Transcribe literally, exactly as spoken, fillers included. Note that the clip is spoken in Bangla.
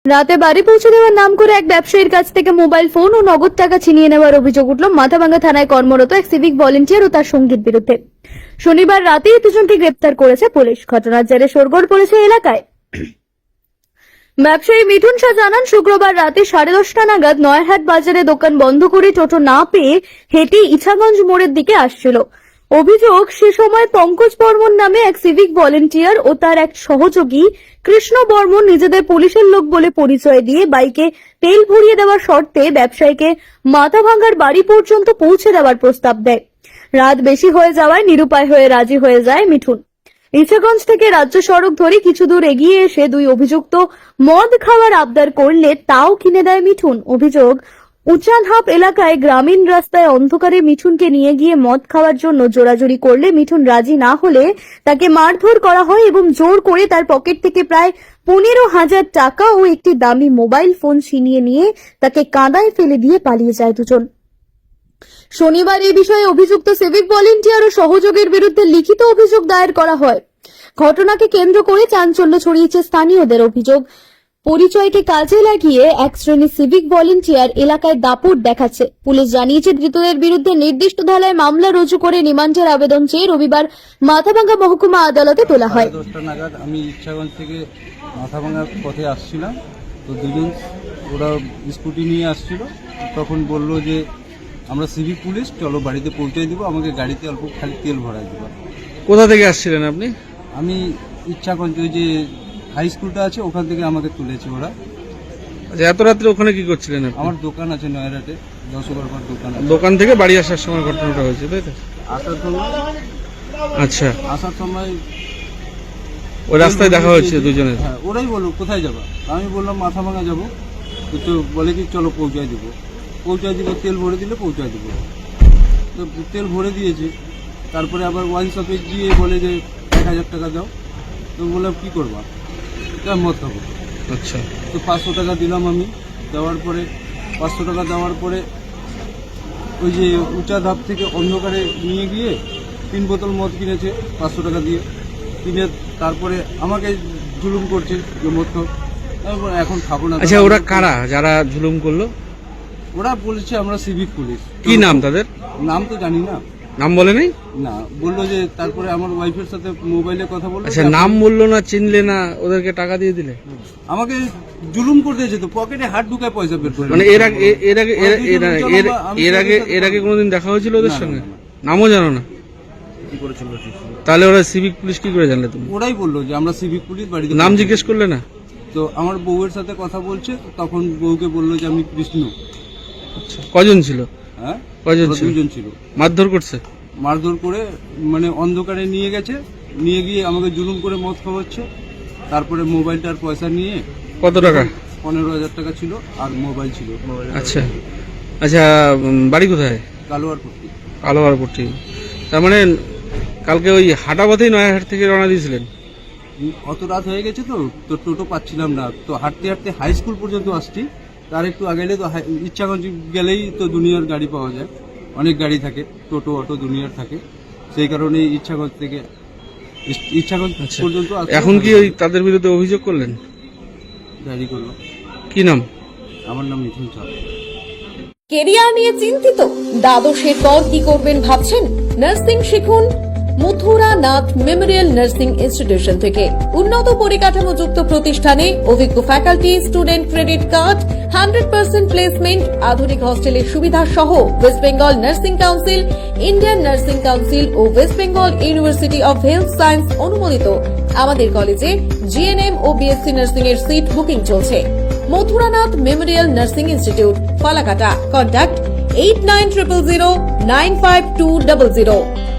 রাতে বাড়ি পৌঁছে দেওয়ার নাম করে এক ব্যবসায়ীর কাছ থেকে মোবাইল ফোন ও নগদ টাকা ছিনিয়ে নেওয়ার অভিযোগ উঠল মাথাভাঙ্গা থানায় কর্মরত এক সিভিক ভলেন্টিয়ার ও তার সঙ্গীর বিরুদ্ধে। শনিবার রাতেই দুজনকে গ্রেপ্তার করেছে পুলিশ। ঘটনার জেরে শোরগোল পড়েছে এলাকায়। ব্যবসায়ী মিঠুন শাহ জানান, শুক্রবার রাতে সাড়ে দশটা নাগাদ নয়ারহাট বাজারে দোকান বন্ধ করে টোটো না পেয়ে হেঁটে ইছাগঞ্জ মোড়ের দিকে আসছিল। অভিযোগ, সে সময় পঙ্কজ বর্মন নামে এক সিভিক ভলেন্টিয়ার ও তার এক সহযোগী কৃষ্ণ বর্মন নিজেদের পুলিশের লোক বলে পরিচয় দিয়ে বাইকে তেল ভরিয়ে দেওয়ার শর্তে ব্যবসায়ীকে মাথাভাঙ্গার বাড়ি পর্যন্ত পৌঁছে দেওয়ার প্রস্তাব দেয়। রাত বেশি হয়ে যাওয়ায় নিরুপায় হয়ে রাজি হয়ে যায় মিঠুন। ইছাগঞ্জ থেকে রাজ্য সড়ক ধরে কিছু দূর এগিয়ে এসে দুই অভিযুক্ত মদ খাওয়ার আবদার করলে তাও কিনে দেয় মিঠুন। অভিযোগ, উচানহাপ এলাকায় গ্রামীণ রাস্তায় অন্ধকারে মিঠুনকে নিয়ে গিয়ে মদ খাওয়ার জন্য জোরাজুরি করলে মিঠুন রাজি না হলে তাকে মারধর করা হয় এবং জোর করে তার পকেট থেকে প্রায় পনেরো হাজার টাকা ও একটি দামি মোবাইল ফোন ছিনিয়ে নিয়ে তাকে কাঁদায় ফেলে দিয়ে পালিয়ে যায় দুজন। শনিবার এই বিষয়ে অভিযুক্ত সিভিক ভলেন্টিয়ার ও সহযোগীর বিরুদ্ধে লিখিত অভিযোগ দায়ের করা হয়। ঘটনাকে কেন্দ্র করে চাঞ্চল্য ছড়িয়েছে স্থানীয়দের। অভিযোগ, পরিচয়কে কাজে লাগিয়ে এক শ্রেণীর সিভিক ভলেন্টিয়ার এলাকায় দাপট দেখাচ্ছে। পুলিশ জানিয়েছে, ধৃতদের বিরুদ্ধে নির্দিষ্ট ধারায় মামলা রুজু করে রিমান্ডের আবেদন চেয়ে রবিবার মাথাভাঙ্গা মহকুমা আদালতে তোলা হয়। দশটা নাগাদ আমি ইচ্ছাগঞ্জ থেকে মাথাভাঙ্গার পথে আসছিলাম, তো দুজন ওরা স্কুটি নিয়ে আসছিল। তখন বলল যে আমরা সিভিক পুলিশ, চলো বাড়িতে পৌঁছে দিব, আমাকে গাড়িতে অল্প খালি তেল ভরাই দেবো। কোথা থেকে আসছিলেন আপনি? আমি ইচ্ছাগঞ্জ ওই যে হাই স্কুলটা আছে ওখান থেকে আমাকে তুলেছে ওরা। আচ্ছা, এত রাত্রে ওখানে কি করছিলেন আপনি? আমার দোকান আছে নয়রাটে, দশ বারবার দোকান আছে। দোকান থেকে বাড়ি আসার সময় ঘটনাটা হয়েছে, তাই তো? আসার সময় আচ্ছা, আসার সময় ওই রাস্তায় দেখা হয়েছে দুজনের? হ্যাঁ, ওরাই বললো কোথায় যাবা, আমি বললাম মাথাভাঙ্গা যাবো। তো বলে কি চলো পৌঁছায় দেবো, পৌঁছায় দিব, তেল ভরে দিলে পৌঁছায় দেবো। তো তেল ভরে দিয়েছে। তারপরে আবার ওয়াইন শপে গিয়ে বলে যে এক হাজার টাকা দাও। তো বললাম কী করবা, মত খাবো। আচ্ছা, তো পাঁচশো টাকা দিলাম আমি। দেওয়ার পরে পাঁচশো টাকা দেওয়ার পরে ওই যে উঁচা ধাপ থেকে অন্ধকারে নিয়ে গিয়ে তিন বোতল মদ কিনেছে পাঁচশো টাকা দিয়ে। কিনে তারপরে আমাকে জুলুম করছে যে মদ খাও। এখন খাবো না। আচ্ছা, ওরা কারা যারা জুলুম করলো? ওরা বলেছে আমরা সিভিক পুলিশ। কি নাম তাদের? নাম তো জানি না। নাম বলে নাই? না, বললো যে তারপরে আমার ওয়াইফের সাথে মোবাইলে কথা বললো। আচ্ছা, নাম বললো না, চিনলে না, ওদেরকে টাকা দিয়ে দিলে? আমাকে জুলুম করে দিয়েছে, তো পকেটে হাত ঢুকায় পয়সা বের করে। মানে এর আগে এর আগে এর এর আগে এর আগে কোনোদিন দেখা হয়েছিল ওদের সঙ্গে? নামও জানো না? কি করেছিল? তাহলে ওরা সিভিক পুলিশ কি করে জানলে তুমি? ওরাই বললো যে আমরা সিভিক পুলিশ। বাড়িতে নাম জিজ্ঞেস করলে না? তো আমার বউয়ের সাথে কথা বলছে, তখন বউকে বললো যে আমি কৃষ্ণ। আচ্ছা, কজন ছিল? হ্যাঁ, কজন ছিল? দুজন ছিল। মারধর করছে? মারধর করে মানে অন্ধকারে নিয়ে গেছে, নিয়ে গিয়ে আমাকে জুলুম করে মদ খাওয়াচ্ছে। তারপরে মোবাইলটার পয়সা নিয়ে। কত টাকা? পনেরো হাজার টাকা ছিল আর মোবাইল ছিল। আচ্ছা আচ্ছা, বাড়ি কোথায়? কালোয়ারপট্টি। কালোয়ারপট্টি। তার মানে কালকে ওই হাটাপথেই নয়ারহাট থেকে রওনা দিয়েছিলেন? অত রাত হয়ে গেছে তো তো টোটো পাচ্ছিলাম না, তো হাঁটতে হাঁটতে হাই স্কুল পর্যন্ত আসছি। তার একটু আগে তো ইচ্ছাগঞ্জ গেলেই তো দুনিয়ার গাড়ি পাওয়া যায়, অনেক গাড়ি থাকে, টোটো অটো দুনিয়ার থাকে। সেই কারণে ইচ্ছাগঞ্জ থেকে ইচ্ছাগঞ্জ পর্যন্ত। এখন কি ওই তাদের বিরুদ্ধে অভিযোগ করলেন? ডায়েরি করলো। কি নাম? আমার নাম মিঠুন শাহ। কেরিয়ার নিয়ে চিন্তিত? দ্বাদশের পর কি করবেন ভাবছেন? নার্সিং শিখুন Mathura Nath memorial nursing institution থেকে। উন্নত পরিকাঠামোযুক্ত প্রতিষ্ঠানে অভিজ্ঞ faculty, student credit card, hundred percent placement, আধুনিক হস্টেলের সুবিধা সহ West Bengal nursing council, Indian nursing council ও West Bengal university of health science অনুমোদিত আমাদের কলেজে জিএনএম ও বিএসসি নার্সিং এর সিট বুকিং চলছে। Mathuranath memorial nursing institute, Falakata. Contact eight nine zero zero nine five two zero zero.